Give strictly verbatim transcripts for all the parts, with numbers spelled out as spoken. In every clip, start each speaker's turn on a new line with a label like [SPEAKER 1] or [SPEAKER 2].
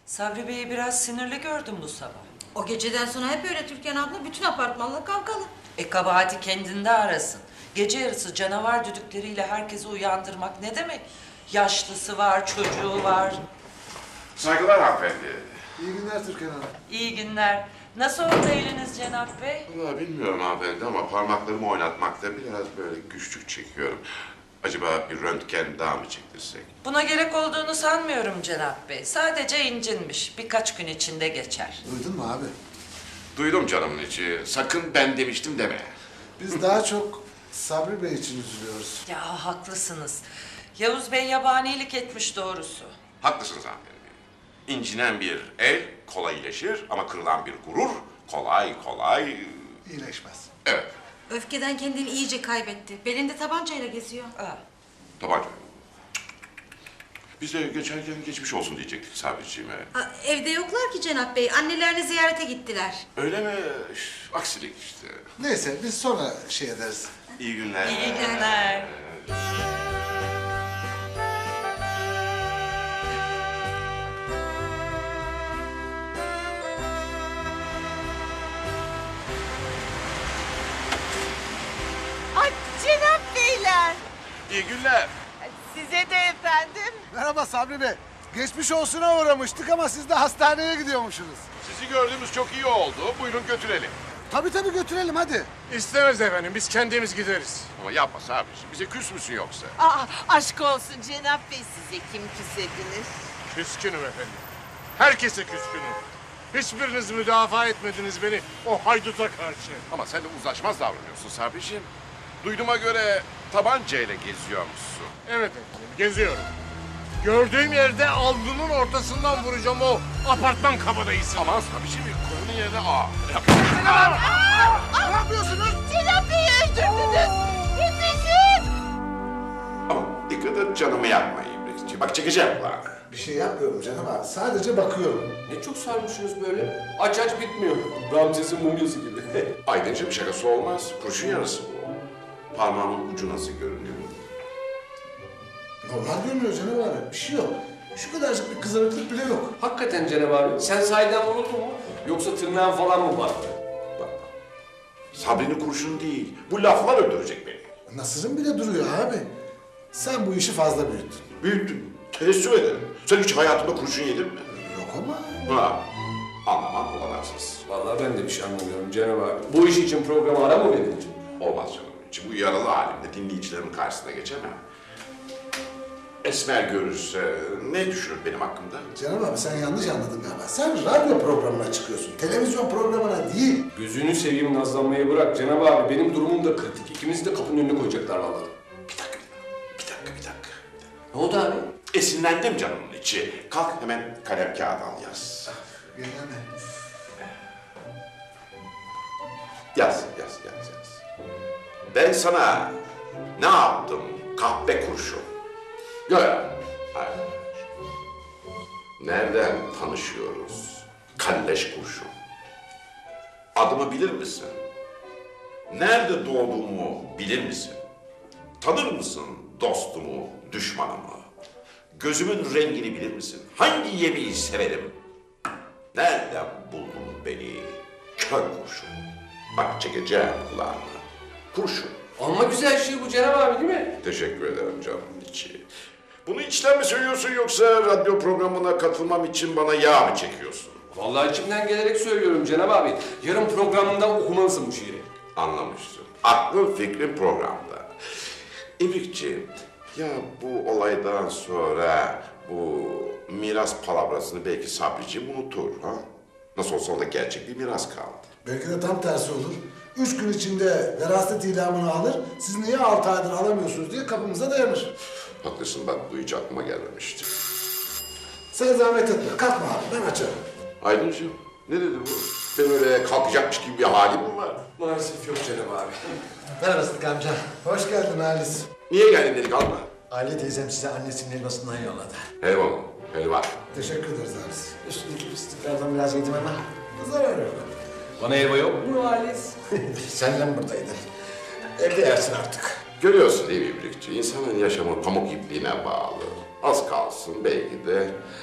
[SPEAKER 1] Sabri Bey'i biraz sinirli gördüm bu sabah.
[SPEAKER 2] O geceden sonra hep öyle Türkan abla. Bütün apartmanla kavgalı.
[SPEAKER 1] E kabahati kendinde arasın. Gece yarısı canavar düdükleriyle herkesi uyandırmak ne demek? Yaşlısı var, çocuğu var.
[SPEAKER 3] Saygılar hanımefendi.
[SPEAKER 4] İyi günler Türkan Hanım.
[SPEAKER 1] İyi günler. Nasıl oldu eliniz Cenap Bey?
[SPEAKER 3] Vallahi bilmiyorum hanımefendi ama parmaklarımı oynatmakta biraz böyle güçlük çekiyorum. Acaba bir röntgen daha mı çektirsek?
[SPEAKER 1] Buna gerek olduğunu sanmıyorum Cenap Bey. Sadece incinmiş. Birkaç gün içinde geçer.
[SPEAKER 4] Duydun mu abi?
[SPEAKER 3] Duydum canımın içi. Sakın ben demiştim deme.
[SPEAKER 4] Biz daha çok Sabri Bey için üzülüyoruz.
[SPEAKER 1] Ya haklısınız. Yavuz Bey yabanilik etmiş doğrusu.
[SPEAKER 3] Haklısınız hanımefendi. İncinen bir el kolay iyileşir ama kırılan bir gurur kolay kolay...
[SPEAKER 4] İyileşmez.
[SPEAKER 3] Evet,
[SPEAKER 2] Öfkeden kendini iyice kaybetti. Belinde tabancayla geziyor.
[SPEAKER 1] Ha.
[SPEAKER 3] tabanca. Biz de geçerken geçmiş olsun diyecektik Sabriciğime.
[SPEAKER 2] Ha, evde yoklar ki Cenap Bey. Annelerini ziyarete gittiler.
[SPEAKER 3] Öyle mi? Üf, aksilik işte.
[SPEAKER 4] Neyse biz sonra şey ederiz.
[SPEAKER 3] İyi günler.
[SPEAKER 1] İyi günler.
[SPEAKER 5] Ay Cenap Beyler,
[SPEAKER 3] İyi günler.
[SPEAKER 5] size de efendim.
[SPEAKER 4] Merhaba Sabri Bey. Geçmiş olsuna uğramıştık ama siz de hastaneye gidiyormuşsunuz.
[SPEAKER 3] Sizi gördüğümüz çok iyi oldu. Buyurun götürelim.
[SPEAKER 4] Tabii tabii götürelim hadi.
[SPEAKER 6] İstemez efendim, biz kendimiz gideriz.
[SPEAKER 3] Ama yapma Sabriciğim. Bize küs müsün yoksa?
[SPEAKER 5] Aa, aşk olsun Cenap Bey, size kim küsebilir?
[SPEAKER 6] Küskünüm efendim. Herkese küskünüm. Hiçbiriniz müdafaa etmediniz beni o hayduta karşı.
[SPEAKER 3] Ama sen de uzlaşmaz davranıyorsun Sabriciğim. Duyduğuma göre tabancayla geziyormuşsun.
[SPEAKER 6] Evet efendim, geziyorum. Gördüğüm yerde alnının ortasından vuracağım o apartman kabadayısını.
[SPEAKER 3] Aman Sabriciğim konunun yerine aa.
[SPEAKER 4] Ne yapıyorsunuz?
[SPEAKER 5] Cenap Bey'i öldürdünüz! Yetişin!
[SPEAKER 3] Ama dikkat et canımı yakma İbrikçi. Bak çekeceğim kulağını.
[SPEAKER 4] Bir şey yapmıyorum canım abi. Sadece bakıyorum.
[SPEAKER 7] Ne çok sarmışsınız böyle. Aç aç bitmiyor. Ramses'in mumyası gibi.
[SPEAKER 3] Aydıncığım şakası olmaz. Kurşun yarısı bu. Parmağımın ucu nasıl görünüyor?
[SPEAKER 4] Normal görünüyor canım abi. Bir şey yok. Şu kadarcık bir kızarıklık bile yok.
[SPEAKER 7] Hakikaten Cenab abi. Sen sahiden vuruldun mu? Yoksa tırnağın falan mı var?
[SPEAKER 3] Bak. Sabri'nin kurşunu değil. Bu laflar öldürecek beni.
[SPEAKER 4] Nasırın bile duruyor abi. Sen bu işi fazla büyüttün.
[SPEAKER 3] Büyüttün. Teessüf ederim. Sen hiç hayatında kurşun yedin mi?
[SPEAKER 4] Yok ama.
[SPEAKER 3] Ha. Anlamam olanaksız.
[SPEAKER 7] Vallahi ben de bir şey anlamıyorum Cenab abi. Bu iş için programa ara mı verilir?
[SPEAKER 3] Olmaz canım. Için bu yaralı halimde dinleyicilerimin karşısına geçemem. Esmer görürse ne düşünür benim hakkımda?
[SPEAKER 4] Canım abi sen yanlış anladın galiba. Sen radyo programına çıkıyorsun. Televizyon programına değil.
[SPEAKER 7] Gözünü seveyim nazlanmayı bırak Cenab abi. Benim durumum da kritik. İkimizi de kapının önüne koyacaklar vallahi.
[SPEAKER 3] Bir dakika, bir dakika, bir dakika.
[SPEAKER 7] Ne oldu abi?
[SPEAKER 3] Esinlendim canımın içi. Kalk hemen kalem kağıt al yaz.
[SPEAKER 4] Gene
[SPEAKER 3] Yaz, yaz, yaz, yaz. Ben sana ne yaptım kahpe kurşun? Ya, hayır. Nereden tanışıyoruz? Kalleş kurşun. Adımı bilir misin? Nerede doğduğumu bilir misin? Tanır mısın dostumu, düşmanımı? Gözümün rengini bilir misin? Hangi yemeği severim? Nereden buldun beni? Kör kurşun. Bak çekeceğim kulağını. Kurşun.
[SPEAKER 7] Amma güzel şey bu Cenab abi değil mi?
[SPEAKER 3] Teşekkür ederim canım içi. Bunu içten mi söylüyorsun yoksa radyo programına katılmam için bana yağ mı çekiyorsun?
[SPEAKER 7] Vallahi içimden gelerek söylüyorum Cenab abi. Yarın programında okumalısın bu şiiri.
[SPEAKER 3] Anlamıştım. Aklın fikrin programda. İbrikçi, ya bu olaydan sonra bu miras palavrasını belki Sabriciğim unutur ha? Nasıl olsa onda gerçek bir miras kaldı.
[SPEAKER 4] Belki de tam tersi olur. Üç gün içinde veraset ilamını alır, siz niye altı aydır alamıyorsunuz diye kapımıza dayanır.
[SPEAKER 3] Haklısın bak bu hiç aklıma gelmemişti.
[SPEAKER 4] Sen zahmet etme, kalkma abi, ben açarım.
[SPEAKER 3] Aydıncığım ne dedi bu? Ben öyle kalkacakmış gibi bir halim mi var?
[SPEAKER 7] Maalesef yok Cenab abi.
[SPEAKER 8] Merhaba Sıdık amca.
[SPEAKER 4] Hoş geldin Halis.
[SPEAKER 3] Niye geldin dedik alma?
[SPEAKER 8] Aile teyzem size annesinin helvasından yolladı.
[SPEAKER 3] Eyvallah. Helva.
[SPEAKER 4] Teşekkür ederiz Halis.
[SPEAKER 8] Üstündeki fıstıklardan biraz yedim ama
[SPEAKER 4] Zarar yok.
[SPEAKER 7] Bana helva yok mu Halis?
[SPEAKER 8] senden buradaydın. Evde yersin artık.
[SPEAKER 3] Görüyorsun değil mi İbrikçi? İnsanın yaşamı pamuk ipliğine bağlı. Az kalsın belki de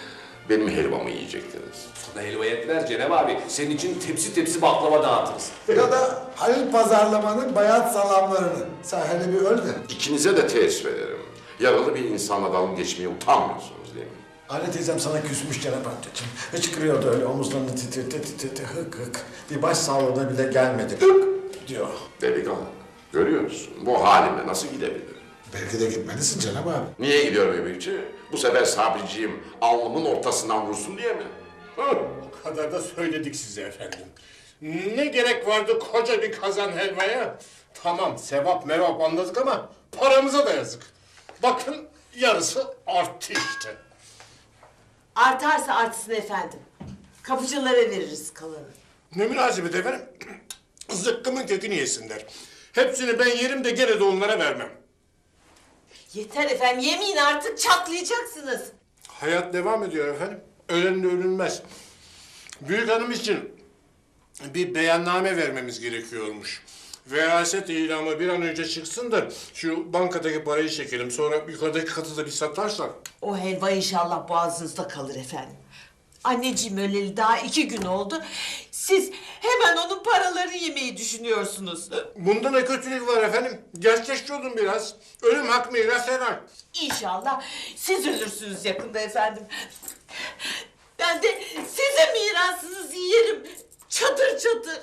[SPEAKER 3] benim helvamı yiyecektiniz.
[SPEAKER 7] Sana helva yetmez Cenab abi. Senin için tepsi tepsi baklava dağıtırız.
[SPEAKER 4] Ya da Halil Pazarlama'nın bayat salamlarını. Sen hele bir öl de.
[SPEAKER 3] İkinize de teessüf ederim. Yaralı bir insanla dalga geçmeye utanmıyorsunuz değil mi?
[SPEAKER 8] Anne teyzem sana küsmüş Cenap amcacığım. Hıçkırıyordu öyle omuzlarını titrete titrete hık hık. Bir baş sağlığına bile gelmedi. Hık diyor.
[SPEAKER 3] Delikanlı, görüyorsun bu halimle nasıl gidebilirim?
[SPEAKER 4] Belki de gitmelisin Cenab abi.
[SPEAKER 3] Niye gidiyorum Emekçi? Bu sefer Sabriciğim alnımın ortasından vursun diye mi? Hı?
[SPEAKER 6] O kadar da söyledik size efendim. Ne gerek vardı koca bir kazan helvaya? Tamam sevap merhaba anladık ama paramıza da yazık. Bakın yarısı arttı işte.
[SPEAKER 5] Artarsa artsın efendim. Kapıcılara veririz kalanı.
[SPEAKER 6] Ne münasebet efendim? Zıkkımın kökünü yesinler. Hepsini ben yerim de gene de onlara vermem.
[SPEAKER 5] Yeter efendim yemeyin artık çatlayacaksınız.
[SPEAKER 6] Hayat devam ediyor efendim. Ölenle ölünmez. Büyük hanım için bir beyanname vermemiz gerekiyormuş. Veraset ilamı bir an önce çıksın da şu bankadaki parayı çekelim. Sonra yukarıdaki katı da bir satarsak.
[SPEAKER 5] O helva inşallah boğazınızda kalır efendim. Anneciğim öleli daha iki gün oldu. Siz hemen onun paralarını yemeyi düşünüyorsunuz.
[SPEAKER 6] Bunda ne kötülük var efendim? Gerçekçi olun biraz. Ölüm hak miras helal.
[SPEAKER 5] İnşallah siz ölürsünüz yakında efendim. Ben de sizin mirasınızı yerim. Çadır çadır.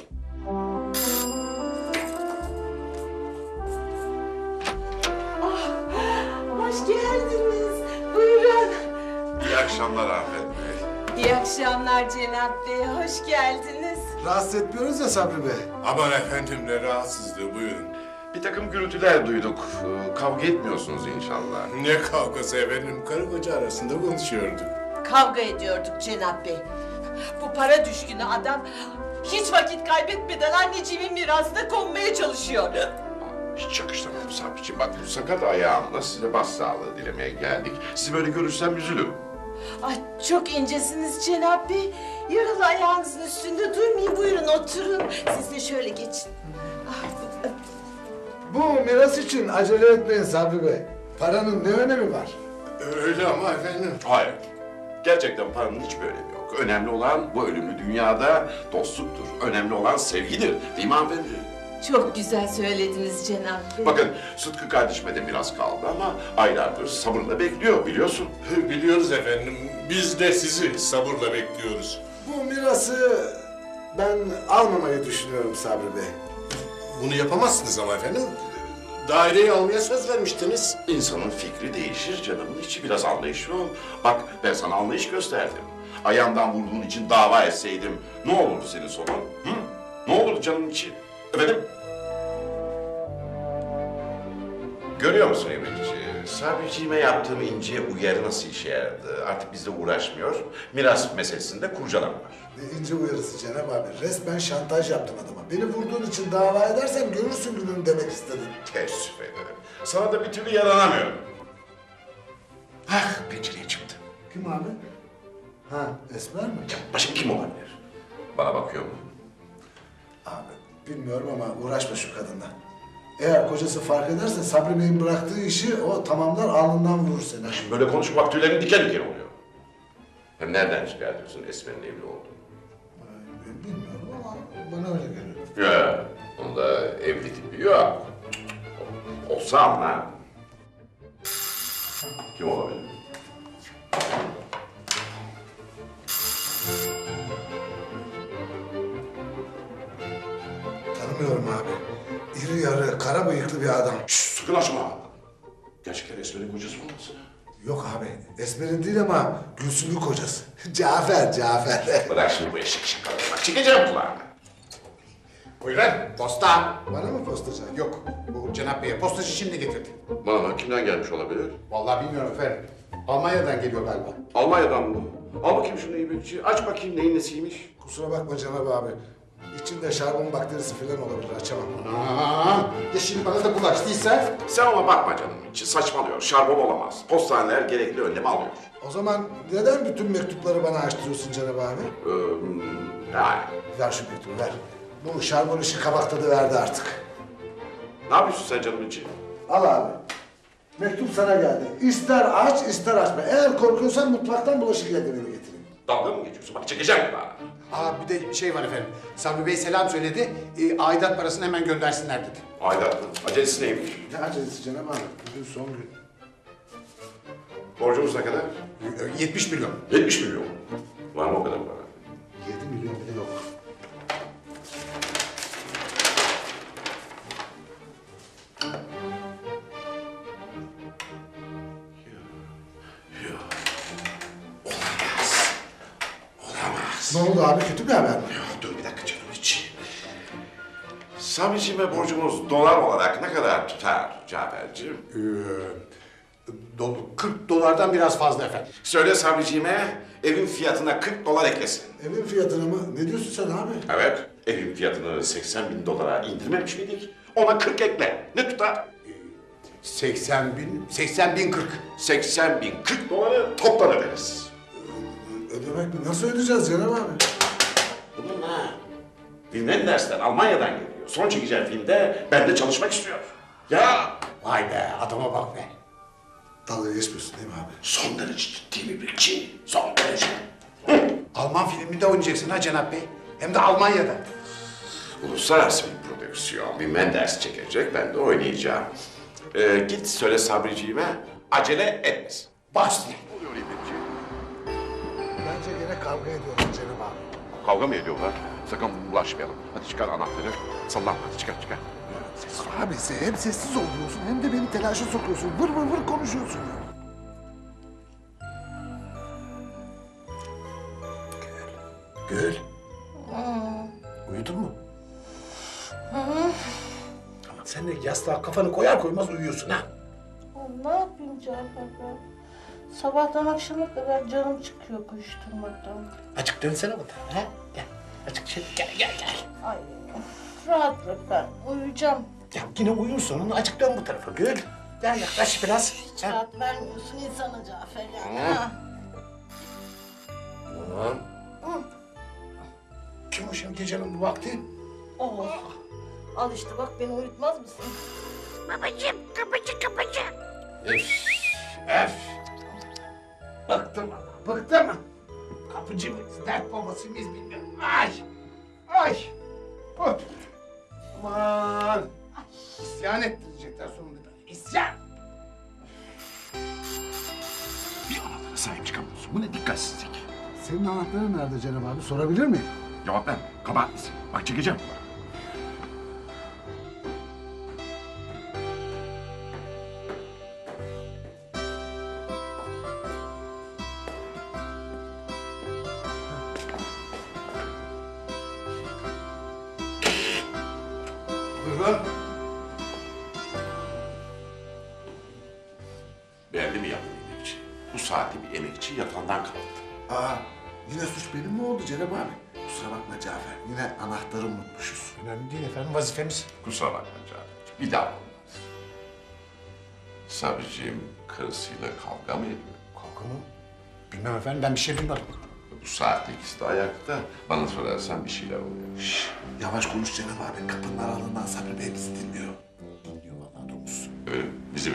[SPEAKER 5] Ah, hoş geldiniz. Buyurun.
[SPEAKER 3] İyi akşamlar Afet Bey.
[SPEAKER 5] İyi akşamlar Cenap Bey. Hoş geldiniz.
[SPEAKER 4] Rahatsız etmiyoruz ya Sabri Bey.
[SPEAKER 6] Aman efendim ne rahatsızlığı buyurun.
[SPEAKER 3] Bir takım gürültüler duyduk. Ee, Kavga etmiyorsunuz inşallah.
[SPEAKER 6] Ne kavgası efendim? Karı koca arasında konuşuyorduk.
[SPEAKER 5] Kavga ediyorduk Cenap Bey. Bu para düşkünü adam hiç vakit kaybetmeden anneciğimin mirasına konmaya çalışıyor.
[SPEAKER 3] Hiç yakıştırmadım Sabriciğim. Bak bu sakat ayağımla size başsağlığı dilemeye geldik. Sizi böyle görürsem üzülürüm.
[SPEAKER 5] Ay çok incesiniz Cenap Bey. Yaralı ayağınızın üstünde durmayın. Buyurun oturun. Siz de şöyle geçin. Ah,
[SPEAKER 4] Bu miras için acele etmeyin Sabri Bey. Paranın ne önemi var?
[SPEAKER 6] Öyle ama efendim.
[SPEAKER 3] Hayır. Gerçekten paranın hiçbir önemi yok. Önemli olan bu ölümlü dünyada dostluktur. Önemli olan sevgidir. Değil mi hanımefendi?
[SPEAKER 5] çok güzel söylediniz Cenap Bey.
[SPEAKER 3] Bakın Sıtkı kardeşime de biraz kaldı ama aylardır sabırla bekliyor biliyorsun.
[SPEAKER 6] Biliyoruz efendim. Biz de sizi sabırla bekliyoruz.
[SPEAKER 4] Bu mirası ben almamayı düşünüyorum Sabri Bey.
[SPEAKER 6] Bunu yapamazsınız ama efendim. Daireyi almaya söz vermiştiniz.
[SPEAKER 3] İnsanın fikri değişir canımın içi biraz anlayışlı ol. Bak ben sana anlayış gösterdim. Ayağımdan vurduğun için dava etseydim ne olurdu senin sonun? Hı? Ne olurdu canımın içi? Efendim? Görüyor musun Emekçi? Sabriciğime yaptığım ince uyarı nasıl işe yaradı? Artık bizle uğraşmıyor. Miras meselesinde kurcalama var.
[SPEAKER 4] Ne ince uyarısı Cenab abi. Resmen şantaj yaptım adama. Beni vurduğun için dava edersen görürsün gününü demek istedim.
[SPEAKER 3] Teessüf ederim. Sana da bir türlü yaranamıyorum. Ah pencereye çıktı.
[SPEAKER 4] Kim abi? Ha Esmer mi?
[SPEAKER 3] Başım kim olabilir? Bana bakıyor mu?
[SPEAKER 4] Abi bilmiyorum ama uğraşma şu kadınla. Eğer kocası fark ederse Sabri Bey'in bıraktığı işi o tamamlar alnından vurur seni.
[SPEAKER 3] Şimdi böyle konuşmak tüylerin diken diken oluyor. Hem nereden çıkartıyorsun Esmer'in evli olduğunu?
[SPEAKER 4] Ben bilmiyorum ama bana öyle geliyor.
[SPEAKER 3] Ya, onda evli tipi yok. Olsa ama. Kim olabilir?
[SPEAKER 4] Tanımıyorum abi. İri yarı, kara bıyıklı bir adam.
[SPEAKER 3] Şşş sakın açma. Gerçekten Esmer'in kocası olmasın?
[SPEAKER 4] Yok abi, Esmer'in değil ama Gülsüm'ün kocası. Cafer, Cafer.
[SPEAKER 3] Bırak şimdi bu eşek şakaları. Bak çekeceğim kulağını.
[SPEAKER 8] Buyurun posta.
[SPEAKER 4] Bana mı postacı?
[SPEAKER 8] Yok bu Cenap Bey'e postacı şimdi getirdi.
[SPEAKER 3] Bana kimden gelmiş olabilir?
[SPEAKER 8] Vallahi bilmiyorum efendim. Almanya'dan geliyor galiba.
[SPEAKER 3] Almanya'dan mı? Al bakayım şunu İbrikçi. Aç bakayım neyin nesiymiş.
[SPEAKER 4] Kusura bakma Cenab abi. İçinde şarbon bakterisi falan olabilir, açamam.
[SPEAKER 8] Anam. Ya şimdi bana da bulaştıysa?
[SPEAKER 3] Sen ona bakma canım içi. Saçmalıyor. Şarbon olamaz. Postaneler gerekli önlemi alıyor.
[SPEAKER 4] O zaman neden bütün mektupları bana açtırıyorsun Cenab abi?
[SPEAKER 3] Ee, yani.
[SPEAKER 4] Ver şu mektubu, ver. Bu şarbon işi kabak tadı verdi artık.
[SPEAKER 3] Ne yapıyorsun sen canım içi?
[SPEAKER 4] Al abi. Mektup sana geldi. İster aç, ister açma. Eğer korkuyorsan mutfaktan bulaşık yardımını getireyim.
[SPEAKER 3] Dalga mı geçiyorsun? Bak çekeceğim bana.
[SPEAKER 9] Aa bir de şey var efendim. Sabri Bey selam söyledi. E, aidat parasını hemen göndersinler dedi.
[SPEAKER 3] Aidat mı? Acelesi neymiş?
[SPEAKER 4] Ne acelesi Cenab abi? Bugün son gün.
[SPEAKER 3] Borcumuz ne kadar?
[SPEAKER 9] E, yetmiş milyon.
[SPEAKER 3] yetmiş milyon. Var mı o kadar para?
[SPEAKER 4] Yedi milyon bile yok. Ne oldu abi? Kötü bir haber mi?
[SPEAKER 3] Dur bir dakika canım hiç. Sabriciğime borcumuz dolar olarak ne kadar tutar Cafer'ciğim?
[SPEAKER 9] Ee, do- kırk dolardan biraz fazla efendim.
[SPEAKER 3] Söyle Sabriciğime evin fiyatına kırk dolar eklesin.
[SPEAKER 4] Evin fiyatını mı? Ne diyorsun sen abi?
[SPEAKER 3] Evet, evin fiyatını seksen bin dolara indirmemiş miydik? Ona kırk ekle. Ne tutar?
[SPEAKER 9] seksen bin, seksen bin kırk.
[SPEAKER 3] seksen bin kırk doları toptan öderiz.
[SPEAKER 4] Ödemek mi? Nasıl ödeyeceğiz Cenab abi?
[SPEAKER 3] Bunun ha. Filmden dersler Almanya'dan geliyor. Son çekeceğim filmde bende çalışmak istiyor. Ya
[SPEAKER 9] Vay be adama bak be.
[SPEAKER 4] Dalga geçmiyorsun değil mi abi?
[SPEAKER 3] son derece ciddi bir bilgi. Son derece.
[SPEAKER 9] Alman filminde oynayacaksın ha Cenap Bey. Hem de Almanya'da.
[SPEAKER 3] Uluslararası bir prodüksiyon. Bir Menders çekecek, ben de oynayacağım. Ee, git söyle Sabriciğime acele etmesin.
[SPEAKER 9] Başla.
[SPEAKER 3] Oluyor İbrikçi.
[SPEAKER 4] Bence gene kavga ediyorlar Cenab abi.
[SPEAKER 3] Kavga mı ediyorlar? Sakın bulaşmayalım. Hadi çıkar anahtarı. Sallanma hadi çıkar çıkar.
[SPEAKER 4] Abi sen hem sessiz oluyorsun hem de beni telaşa sokuyorsun. Vır vır vır konuşuyorsun ya.
[SPEAKER 9] Gül. Uyudun mu? Ama sen de yastığa kafanı koyar koymaz uyuyorsun ha.
[SPEAKER 10] Ne yapayım Cafer ben? Sabahtan akşama kadar canım çıkıyor koşturmaktan.
[SPEAKER 9] Açık dönsene bu tarafa ha. Gel. Açık şey gel gel gel.
[SPEAKER 10] Ay rahat bırak ben uyuyacağım.
[SPEAKER 9] Ya yine uyursun. Açık dön bu tarafa Gül. Gel yaklaş biraz.
[SPEAKER 10] Hiç
[SPEAKER 9] Ha.
[SPEAKER 10] rahat vermiyorsun insana Cafer ya. Ha.
[SPEAKER 3] Tamam.
[SPEAKER 9] Kim o şimdi gecenin bu vakti?
[SPEAKER 10] Oh. Al işte bak beni uyutmaz mısın? Babacığım kapıcı kapıcı.
[SPEAKER 9] Öf. Öf. Bıktım ama bıktım. Kapıcı mıyız, dert babası mıyız bilmiyorum. Ay. Ay. Hop. Aman. İsyan ettirecekler sonunda. İsyan.
[SPEAKER 3] Bir anahtara sahip çıkamıyorsun. Bu ne dikkatsizlik.
[SPEAKER 4] Senin anahtarın nerede Cenab abi? Sorabilir miyim?
[SPEAKER 3] Cevap ver. Kabahatlisin. Bak çekeceğim.
[SPEAKER 9] Buyurun.
[SPEAKER 3] Belli mi yaptın emekçi? Bu saatte bir emekçi yatağından kalktı.
[SPEAKER 4] Aa, yine suç benim mi oldu Cenab abi? Kusura bakma Cafer. Yine anahtarı unutmuşuz.
[SPEAKER 9] Önemli değil efendim vazifemiz.
[SPEAKER 3] Kusura bakma canım. Bir daha olmaz. Sabriciğim karısıyla kavga mı ediyor?
[SPEAKER 9] Kavga mı? Bilmem efendim ben bir şey bilmiyorum.
[SPEAKER 3] Bu saatte ikisi de ayakta. Bana sorarsan bir şeyler oluyor.
[SPEAKER 4] Şşş, yavaş konuş Cenab abi. Kapının aralığından Sabri Bey bizi dinliyor.
[SPEAKER 9] Dinliyor vallahi domuz.
[SPEAKER 3] Öyle mi? Bizi mi?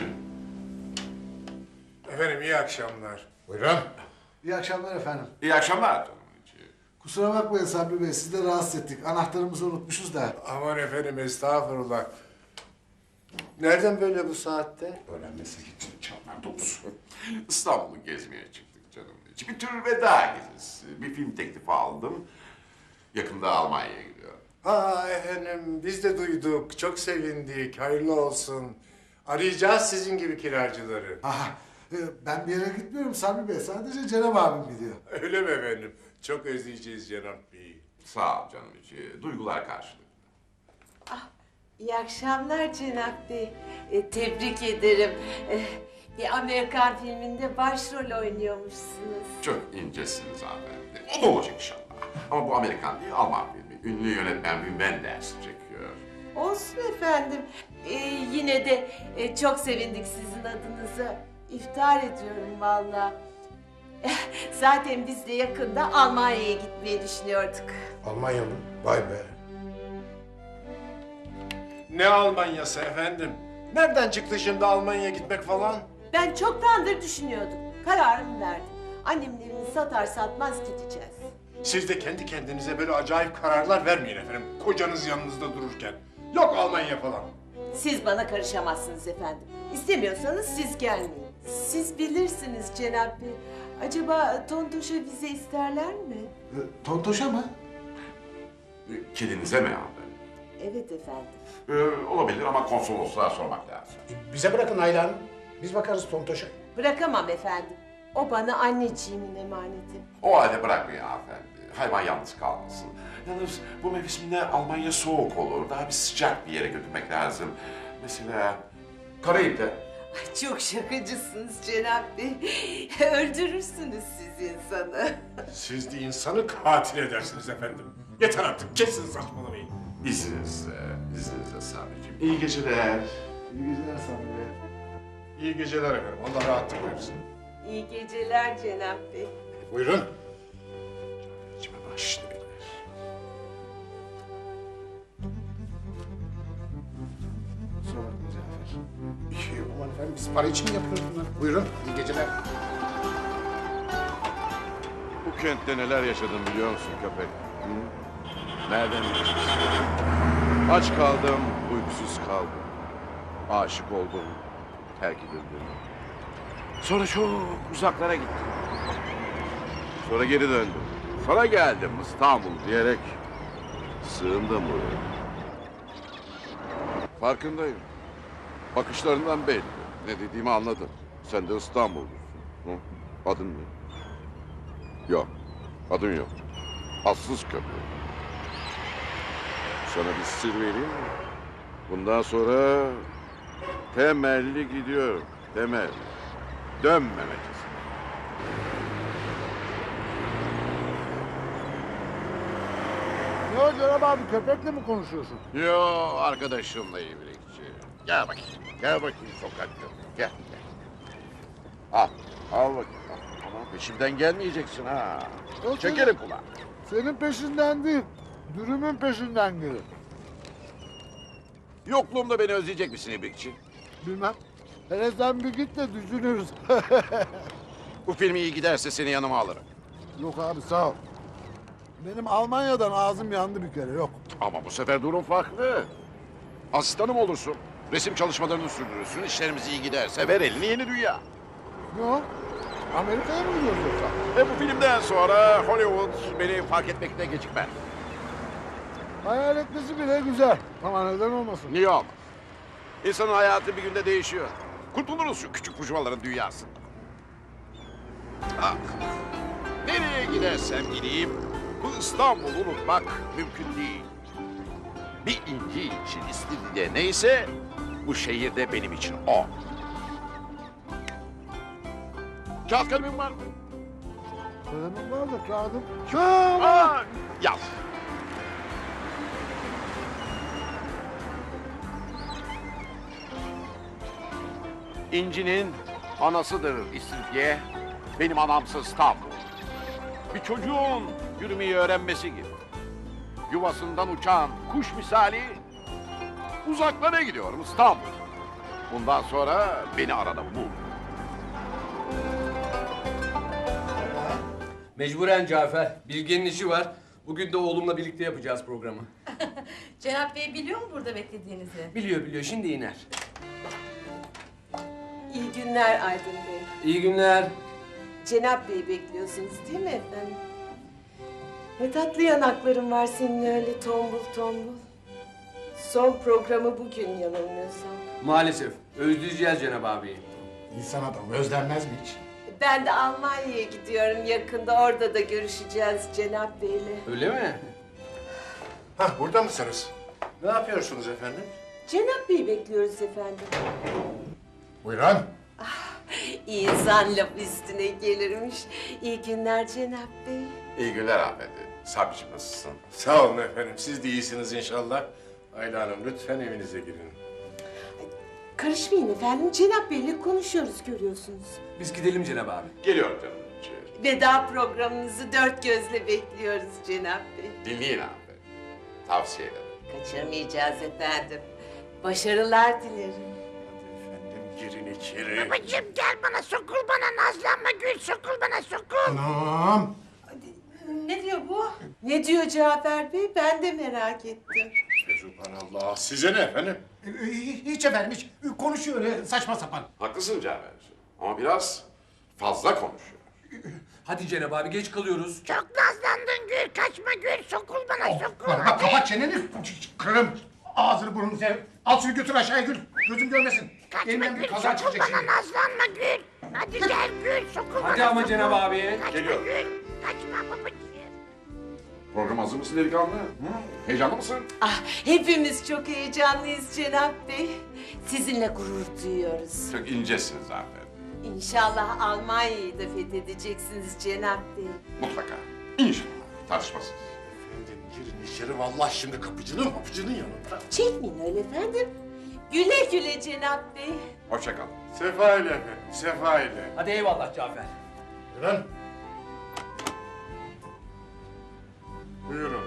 [SPEAKER 6] Efendim iyi akşamlar.
[SPEAKER 9] Buyurun.
[SPEAKER 4] İyi akşamlar efendim.
[SPEAKER 3] İyi akşamlar canım.
[SPEAKER 4] Kusura bakmayın Sabri Bey, sizi de rahatsız ettik. Anahtarımızı unutmuşuz da.
[SPEAKER 6] Aman efendim estağfurullah. Nereden böyle bu saatte?
[SPEAKER 3] Öğrenmesi için çallar domuz. İstanbul'u gezmeye çıktık canım. Bir tür veda gezisi. Bir film teklifi aldım. Yakında Almanya'ya gidiyorum.
[SPEAKER 6] Ha efendim biz de duyduk. Çok sevindik. Hayırlı olsun. Arayacağız sizin gibi kiracıları.
[SPEAKER 4] Aha, e, ben bir yere gitmiyorum Sabri Bey. Sadece Cenab abim gidiyor.
[SPEAKER 6] Öyle mi efendim? Çok özleyeceğiz Cenab Bey'i.
[SPEAKER 3] Sağ ol canım içi. Duygular karşılıklı.
[SPEAKER 5] İyi akşamlar Cenap Bey. E, tebrik ederim. E, bir Amerikan filminde başrol oynuyormuşsunuz.
[SPEAKER 3] Çok incesiniz hanımefendi. O da olacak inşallah. Ama bu Amerikan değil, Alman filmi. Ünlü yönetmen Wim Wenders çekiyor.
[SPEAKER 5] Olsun efendim. E, yine de e, çok sevindik sizin adınıza. İftihar ediyorum vallahi. Zaten biz de yakında Almanya'ya gitmeyi düşünüyorduk.
[SPEAKER 9] Almanya mı? Vay be.
[SPEAKER 6] Ne Almanyası efendim? Nereden çıktı şimdi Almanya'ya gitmek falan?
[SPEAKER 5] Ben çoktandır düşünüyordum. Kararımı verdim. Annemin evini satar satmaz gideceğiz.
[SPEAKER 6] Siz de kendi kendinize böyle acayip kararlar vermeyin efendim. Kocanız yanınızda dururken. Yok Almanya falan.
[SPEAKER 5] Siz bana karışamazsınız efendim. İstemiyorsanız siz gelmeyin. Siz bilirsiniz Cenab Bey. Acaba Tontoş'a vize isterler mi?
[SPEAKER 4] E, Tontoş'a mı?
[SPEAKER 3] Kedinize mi abi?
[SPEAKER 5] Evet efendim.
[SPEAKER 3] Ee, olabilir ama konsolosluğa sormak lazım.
[SPEAKER 9] Bize bırakın Ayla Hanım. Biz bakarız Tontoş'a.
[SPEAKER 5] Bırakamam efendim. O bana anneciğimin emaneti.
[SPEAKER 3] O halde bırakmayın hanımefendi. Hayvan yalnız kalmasın. Yalnız bu mevsimde Almanya soğuk olur. Daha bir sıcak bir yere götürmek lazım. Mesela Karayip'te.
[SPEAKER 5] Ay çok şakacısınız Cenab Bey. Öldürürsünüz siz insanı.
[SPEAKER 6] Siz de insanı katil edersiniz efendim. Yeter artık, kesin saçmalamayın.
[SPEAKER 3] İzninizle, izninizle Sabri'ciğim. İyi geceler.
[SPEAKER 4] İyi geceler Sabri Bey.
[SPEAKER 6] İyi geceler efendim, Allah rahatlık versin.
[SPEAKER 5] İyi geceler Cenab Bey.
[SPEAKER 6] Buyurun.
[SPEAKER 3] İçime başlı bilir.
[SPEAKER 4] Kusura bakma Cafer.
[SPEAKER 9] Bir şey yok aman efendim. Biz para için mi yapıyoruz bunları? Buyurun. İyi geceler.
[SPEAKER 3] Bu kentte neler yaşadım biliyor musun köpek? Hı? Nereden biliyorsun? Aç kaldım, uykusuz kaldım. Aşık oldum, terk edildim. Sonra çok uzaklara gittim. Sonra geri döndüm. Sonra geldim İstanbul diyerek sığındım buraya. Farkındayım. Bakışlarından belli. Ne dediğimi anladın. Sen de İstanbul'lusun. Hı? Adın ne? Yok. Adın yok. Atsız köpek. Sana bir sır vereyim mi? Bundan sonra temelli gidiyorum. Temel. Dönmemek için.
[SPEAKER 4] Ne o Cenab abi, köpekle mi konuşuyorsun?
[SPEAKER 3] Yo arkadaşımla ibrikçi. Gel bakayım. Gel bakayım sokakta. Gel gel. Al. Al bakayım. Al. Ama peşimden gelmeyeceksin ha.
[SPEAKER 4] Yok,
[SPEAKER 3] Çekerim kulağını.
[SPEAKER 4] Senin peşinden değil, dürümün peşinden gelir.
[SPEAKER 3] Yokluğumda beni özleyecek misin ibrikçi?
[SPEAKER 4] Bilmem. Hele sen bir git de düşünürüz.
[SPEAKER 3] Bu film iyi giderse seni yanıma alırım.
[SPEAKER 4] Yok abi sağ ol. Benim Almanya'dan ağzım yandı bir kere, yok.
[SPEAKER 3] Ama bu sefer durum farklı. Asistanım olursun. Resim çalışmalarını sürdürürsün. İşlerimiz iyi giderse ver elini yeni dünya.
[SPEAKER 4] Ne o? Amerika'ya mı gidiyoruz yoksa?
[SPEAKER 3] Ve bu filmden sonra Hollywood beni fark etmekte gecikmez.
[SPEAKER 4] Hayal etmesi bile güzel. Ama neden olmasın?
[SPEAKER 3] Niye olmaz? İnsanın hayatı bir günde değişiyor. Kurtuluruz şu küçük burjuvaların dünyasından. Ah, nereye gidersem gideyim, bu İstanbul'u unutmak mümkün değil. Bir inci için İstiridye neyse, bu şehirde benim için o. Kağıt kalemim var mı?
[SPEAKER 4] Kalemim var da kağıdım. Kağıdım.
[SPEAKER 3] Aa, yaz. İnci'nin anasıdır İstiridye, benim anamsı İstanbul. Bir çocuğun yürümeyi öğrenmesi gibi. Yuvasından uçan kuş misali uzaklara gidiyorum İstanbul. Bundan sonra beni arada bul.
[SPEAKER 7] Mecburen Cafer. Bilge'nin işi var. Bugün de oğlumla birlikte yapacağız programı.
[SPEAKER 2] Cenap Bey biliyor mu burada beklediğinizi?
[SPEAKER 7] Biliyor biliyor. Şimdi iner.
[SPEAKER 5] İyi günler Aydın Bey.
[SPEAKER 7] İyi günler.
[SPEAKER 5] Cenab Bey'i bekliyorsunuz değil mi efendim? Ne tatlı yanakların var senin öyle tombul tombul. Son programı bugün yanılmıyorsam.
[SPEAKER 7] Maalesef. Özleyeceğiz Cenab abiyi.
[SPEAKER 9] İnsan adamı özlenmez mi hiç?
[SPEAKER 5] Ben de Almanya'ya gidiyorum yakında. Orada da görüşeceğiz Cenab Bey'le.
[SPEAKER 7] Öyle mi?
[SPEAKER 6] Hah, burada mısınız? Ne yapıyorsunuz efendim?
[SPEAKER 5] Cenab Bey'i bekliyoruz efendim.
[SPEAKER 6] Buyurun.
[SPEAKER 5] İyi insan laf üstüne gelirmiş. İyi günler Cenab Bey.
[SPEAKER 3] İyi günler hanımefendi. Sabri'cim nasılsın?
[SPEAKER 6] Sağ olun efendim. Siz de iyisiniz inşallah. Ayla Hanım lütfen evinize girin.
[SPEAKER 5] Karışmayın efendim. Cenab Bey'le konuşuyoruz görüyorsunuz.
[SPEAKER 7] Biz gidelim Cenab abi.
[SPEAKER 3] Geliyorum canım.
[SPEAKER 5] Veda programınızı dört gözle bekliyoruz Cenab Bey.
[SPEAKER 3] Dinleyin hanımefendi. Tavsiye ederim.
[SPEAKER 5] Kaçırmayacağız efendim. Başarılar dilerim.
[SPEAKER 3] girin içeri.
[SPEAKER 10] Babacığım gel bana sokul bana nazlanma Gül sokul bana sokul.
[SPEAKER 9] Anam.
[SPEAKER 2] Ne diyor bu?
[SPEAKER 5] Ne diyor Cafer Bey? Ben de merak ettim.
[SPEAKER 6] Subhanallah. Size ne efendim?
[SPEAKER 9] Ee, Hiç efendim hiç. Konuşuyor öyle saçma sapan.
[SPEAKER 3] Haklısın Cafer. Ama biraz fazla konuşuyor.
[SPEAKER 7] Hadi Cenab abi geç kalıyoruz.
[SPEAKER 10] Çok nazlandın Gül kaçma Gül sokul bana sokul.
[SPEAKER 9] Bak, bak kapat çeneni. Kırım. Ağzını burnunu sev. Al şunu götür aşağıya Gül. Gözüm görmesin.
[SPEAKER 10] Kaçma
[SPEAKER 9] Elimden bir
[SPEAKER 10] Gül
[SPEAKER 9] kaza
[SPEAKER 10] sokul
[SPEAKER 9] çıkacak
[SPEAKER 10] bana
[SPEAKER 9] şimdi.
[SPEAKER 10] nazlanma Gül. Hadi gel Gül sokul bana
[SPEAKER 7] Hadi ama
[SPEAKER 10] sokul.
[SPEAKER 7] Cenab abi.
[SPEAKER 10] Kaçma
[SPEAKER 3] Geliyor.
[SPEAKER 10] Gül. Kaçma babacığım.
[SPEAKER 3] Program hazır mısın delikanlı? Hı? Heyecanlı mısın?
[SPEAKER 5] Ah, hepimiz çok heyecanlıyız Cenap Bey. Sizinle gurur duyuyoruz.
[SPEAKER 3] Çok incesin zaten.
[SPEAKER 5] İnşallah Almanya'yı da fethedeceksiniz Cenap Bey.
[SPEAKER 3] Mutlaka. İnşallah. Tartışmasız.
[SPEAKER 6] Efendim girin içeri. Vallahi şimdi kapıcının kapıcının yanında.
[SPEAKER 5] Çekmeyin öyle efendim. Güle güle Cenap Bey.
[SPEAKER 3] Hoşça kal.
[SPEAKER 6] Sefa ile efendim. Sefa ile.
[SPEAKER 7] Hadi eyvallah Cafer.
[SPEAKER 6] Buyurun. Buyurun.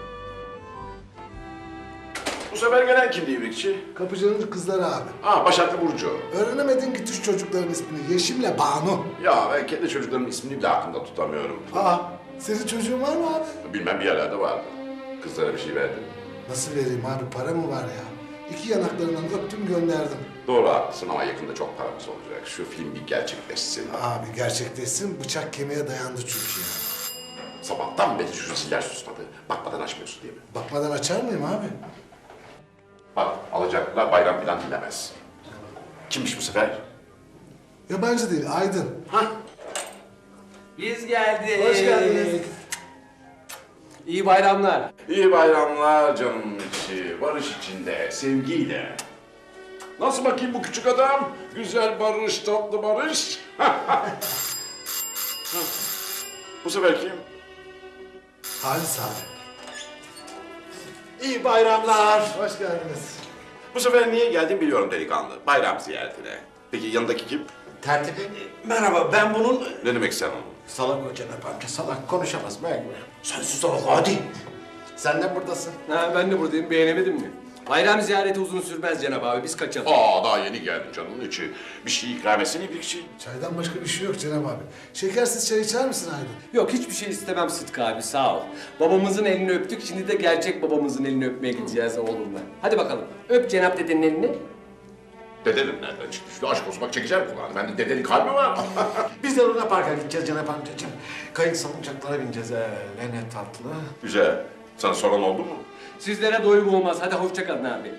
[SPEAKER 3] Bu sefer gelen kimdi İbrikçi?
[SPEAKER 4] Kapıcının kızları abi.
[SPEAKER 3] Ha, Başaklı Burcu.
[SPEAKER 4] Öğrenemedin ki Türk çocukların ismini. Yeşim'le Banu.
[SPEAKER 3] Ya ben kendi çocuklarımın ismini bile aklımda tutamıyorum.
[SPEAKER 4] Aa, senin çocuğun var mı abi?
[SPEAKER 3] Bilmem bir yerlerde vardı. Kızlara bir şey verdim.
[SPEAKER 4] Nasıl vereyim abi? Para mı var ya? İki yanaklarından öptüm gönderdim.
[SPEAKER 3] Doğru haklısın ama yakında çok paramız olacak. Şu film bir gerçekleşsin.
[SPEAKER 4] Abi gerçekleşsin, bıçak kemiğe dayandı çünkü ya.
[SPEAKER 3] Sabahtan beri şu ziller susmadı. Bakmadan açmıyorsun değil mi?
[SPEAKER 4] Bakmadan açar mıyım abi?
[SPEAKER 3] Bak, alacaklar bayram falan dinlemez. Kimmiş bu sefer?
[SPEAKER 4] Yabancı değil, Aydın.
[SPEAKER 7] Biz geldik.
[SPEAKER 4] Hoş geldiniz.
[SPEAKER 7] İyi bayramlar.
[SPEAKER 3] İyi bayramlar canım içi. Barış içinde, sevgiyle. Nasıl bakayım bu küçük adam? Güzel barış, tatlı barış. Bu sefer kim?
[SPEAKER 4] Halis abi.
[SPEAKER 8] İyi bayramlar.
[SPEAKER 4] Hoş geldiniz.
[SPEAKER 3] Bu sefer niye geldin biliyorum delikanlı. Bayram ziyaretine. Peki yanındaki kim?
[SPEAKER 8] Tertip. Merhaba, ben bunun...
[SPEAKER 3] Ne demek sen onun?
[SPEAKER 8] Salak o Cenap amca, salak. Konuşamaz belki.
[SPEAKER 3] Sen sus oğlum hadi.
[SPEAKER 8] Sen de buradasın.
[SPEAKER 7] Ha, ben de buradayım. Beğenemedin mi? Bayram ziyareti uzun sürmez Cenab abi. Biz kaçalım.
[SPEAKER 3] Aa daha yeni geldin canımın içi. Bir şey ikram etsene İbrikçi.
[SPEAKER 4] Çaydan başka bir şey yok Cenab abi. Şekersiz çay içer misin Aydın?
[SPEAKER 7] Yok hiçbir şey istemem Sıtkı abi sağ ol. Babamızın elini öptük. Şimdi de gerçek babamızın elini öpmeye gideceğiz oğlumla. Hadi bakalım. Öp Cenap dedenin elini.
[SPEAKER 3] Dedenim nereden çıktı? Şu aşk olsun bak çekeceğim kulağını. Bende dedelik hal mi var?
[SPEAKER 8] Biz de Luna Park'a gideceğiz Cenap amcacığım. Kayık salıncaklara bineceğiz. Ee, ne tatlı.
[SPEAKER 3] Güzel. Sana soran oldu mu?
[SPEAKER 7] Sizlere doyum olmaz. Hadi hoşça kalın abi.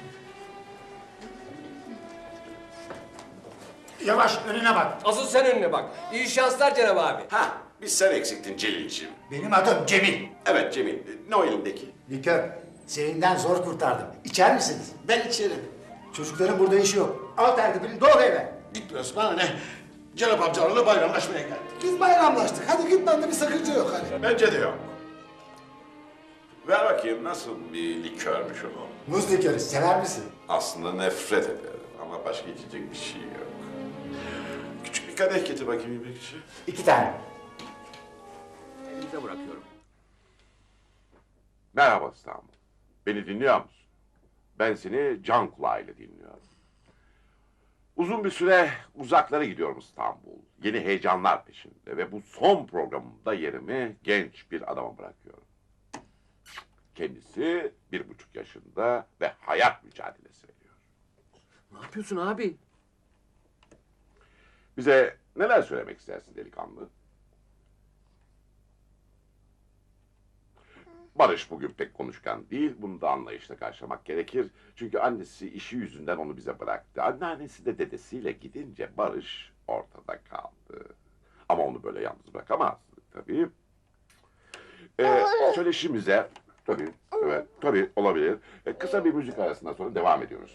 [SPEAKER 9] Yavaş önüne bak.
[SPEAKER 7] Asıl sen önüne bak. İyi şanslar Cenab abi.
[SPEAKER 3] Ha, biz sen eksiktin Celil'ciğim.
[SPEAKER 9] Benim adım Cemil.
[SPEAKER 3] Evet Cemil. Ne o elindeki?
[SPEAKER 9] Likör. Serinden zor kurtardım. İçer misiniz? Ben içerim. Çocukların burada işi yok. Al tertibini doğru eve.
[SPEAKER 3] Gitmiyorsun bana ne? Cenap amcalarla bayramlaşmaya geldik.
[SPEAKER 4] Biz bayramlaştık. Hadi git, bende bir sakınca yok hani.
[SPEAKER 3] Bence de yok. Ver bakayım nasıl bir likörmüş o.
[SPEAKER 9] Muz likörü sever misin?
[SPEAKER 3] Aslında nefret ederim ama başka içecek bir şey yok. Küçük bir kadeh getir bakayım İbrikçi.
[SPEAKER 9] İki tane.
[SPEAKER 7] Elinize bırakıyorum.
[SPEAKER 3] Merhaba İstanbul. Beni dinliyor musun? Ben seni can kulağıyla dinliyorum. Uzun bir süre uzaklara gidiyorum İstanbul. Yeni heyecanlar peşinde ve bu son programımda yerimi genç bir adama bırakıyorum. Kendisi bir buçuk yaşında ve hayat mücadelesi veriyor.
[SPEAKER 7] Ne yapıyorsun abi?
[SPEAKER 3] Bize neler söylemek istersin delikanlı? Barış bugün pek konuşkan değil, bunu da anlayışla karşılamak gerekir. Çünkü annesi işi yüzünden onu bize bıraktı. Anneannesi de dedesiyle gidince Barış ortada kaldı. Ama onu böyle yalnız bırakamazdık tabii. Ee, söyleşimize, tabii, evet, tabii olabilir. Ee, kısa bir müzik arasından sonra devam ediyoruz.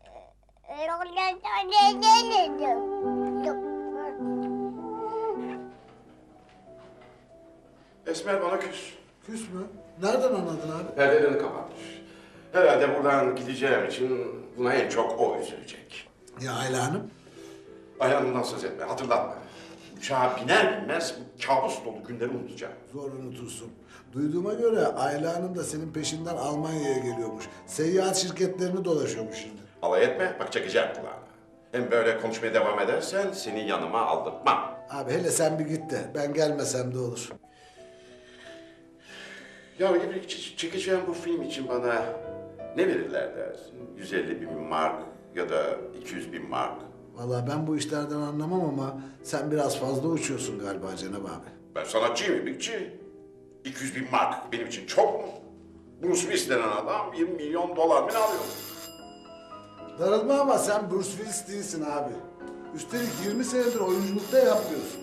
[SPEAKER 3] Esmer bana küs.
[SPEAKER 4] Küs mü? Nereden anladın abi?
[SPEAKER 3] Perdelerini kapatmış. Herhalde buradan gideceğim için buna en çok o üzülecek.
[SPEAKER 4] Ya Ayla Hanım?
[SPEAKER 3] Ayağımdan söz etme, hatırlatma. Uçağa biner binmez bu kabus dolu günleri unutacağım.
[SPEAKER 4] Zor unutursun. Duyduğuma göre Ayla Hanım da senin peşinden Almanya'ya geliyormuş. Seyahat şirketlerini dolaşıyormuş şimdi.
[SPEAKER 3] Alay etme, bak çekeceğim kulağını. Hem böyle konuşmaya devam edersen seni yanıma aldırtmam.
[SPEAKER 4] Abi hele sen bir git de ben gelmesem de olur.
[SPEAKER 3] Ya İbrikçi, ç- çekeceğim bu film için bana ne verirler dersin? yüz elli bin mark ya da iki yüz bin mark.
[SPEAKER 4] Vallahi ben bu işlerden anlamam ama sen biraz fazla uçuyorsun galiba Cenab abi.
[SPEAKER 3] Ben sanatçıyım İbrikçi. iki yüz bin mark benim için çok mu? Bruce Willis denen adam yirmi milyon dolar mı ne alıyor?
[SPEAKER 4] Darılma ama sen Bruce Willis değilsin abi. Üstelik yirmi senedir oyunculukta yapmıyorsun.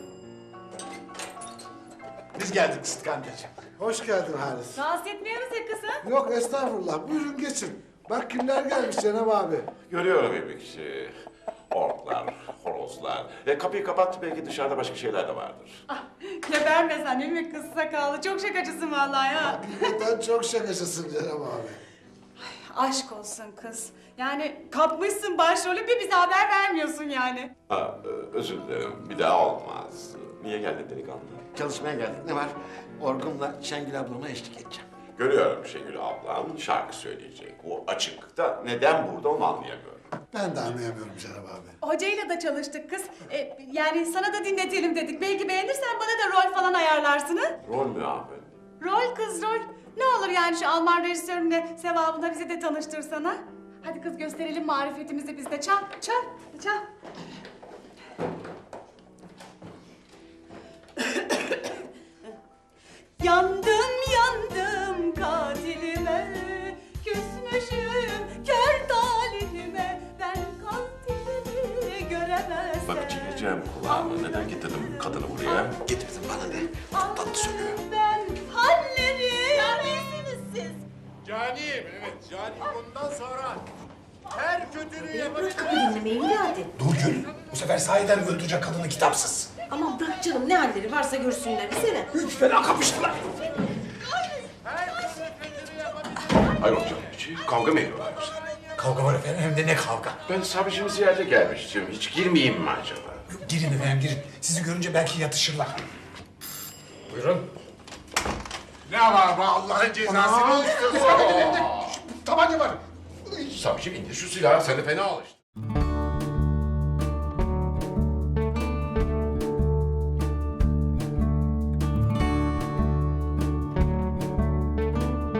[SPEAKER 9] Biz geldik Sıtkı amcacığım.
[SPEAKER 4] Hoş geldin Halis.
[SPEAKER 2] Rahatsız etmiyor musun kızım?
[SPEAKER 4] Yok estağfurullah, buyurun geçin. Bak kimler gelmiş Cenab abi.
[SPEAKER 3] Görüyorum İbrikçi. Orklar, horozlar. E, kapıyı kapat, belki dışarıda başka şeyler de vardır.
[SPEAKER 2] Geberme sen değil mi kız sakallı? Çok şakacısın vallahi ya.
[SPEAKER 4] Hakikaten çok şakacısın Cenab abi.
[SPEAKER 2] Aşk olsun kız. Yani kapmışsın başrolü bir bize haber vermiyorsun yani.
[SPEAKER 3] Ha, e, özür dilerim, bir daha olmaz. Niye geldin delikanlı?
[SPEAKER 9] Çalışmaya geldik. Ne var? Orgun'la Şengül ablama eşlik edeceğim.
[SPEAKER 3] Görüyorum Şengül ablam şarkı söyleyecek. O açıkta neden burada onu anlayamıyorum.
[SPEAKER 4] Ben de anlayamıyorum Cenab abi.
[SPEAKER 2] Hocayla da çalıştık kız. E, yani sana da dinletelim dedik. Belki beğenirsen bana da rol falan ayarlarsın ha?
[SPEAKER 3] Rol mü abi?
[SPEAKER 2] Rol kız rol. Ne olur yani şu Alman rejisörünle sevabına bizi de tanıştırsana. Hadi kız gösterelim marifetimizi biz de. Çal, çal, çal. Yandım yandım katilime, küsmüşüm kör talihime, ben katilimi göremezsem.
[SPEAKER 3] Bak çekeceğim kulağını. Neden getirdin kadını buraya?
[SPEAKER 9] Getirdin bana ne? Tatlı söylüyor.
[SPEAKER 2] Ben halleri. Ya neyisiniz siz?
[SPEAKER 6] Caniyim, evet caniyim. Bundan sonra her kötülüğü yapabileceğim.
[SPEAKER 10] Dinlemeyi hadi.
[SPEAKER 9] Dur Gül. Bu sefer sahiden mi öldürecek kadını kitapsız?
[SPEAKER 10] Aman bırak canım ne halleri varsa görsünler desene.
[SPEAKER 9] Üç fena kapıştılar.
[SPEAKER 6] Her türlü kötülüğü yapabileceğim.
[SPEAKER 3] Hayır hocam, hiç kavga mı ediyorlar yoksa?
[SPEAKER 9] Kavga var efendim hem de ne kavga.
[SPEAKER 3] Ben sabricimi ziyarete gelmiştim. Hiç girmeyeyim mi acaba?
[SPEAKER 9] Girin efendim girin. Sizi görünce belki yatışırlar. Buyurun.
[SPEAKER 6] Ne var be Allah'ın cezası? Ne istiyorsun?
[SPEAKER 9] Tabanca var.
[SPEAKER 3] Sabrici indir şu silahı. Sen de fena alıştın.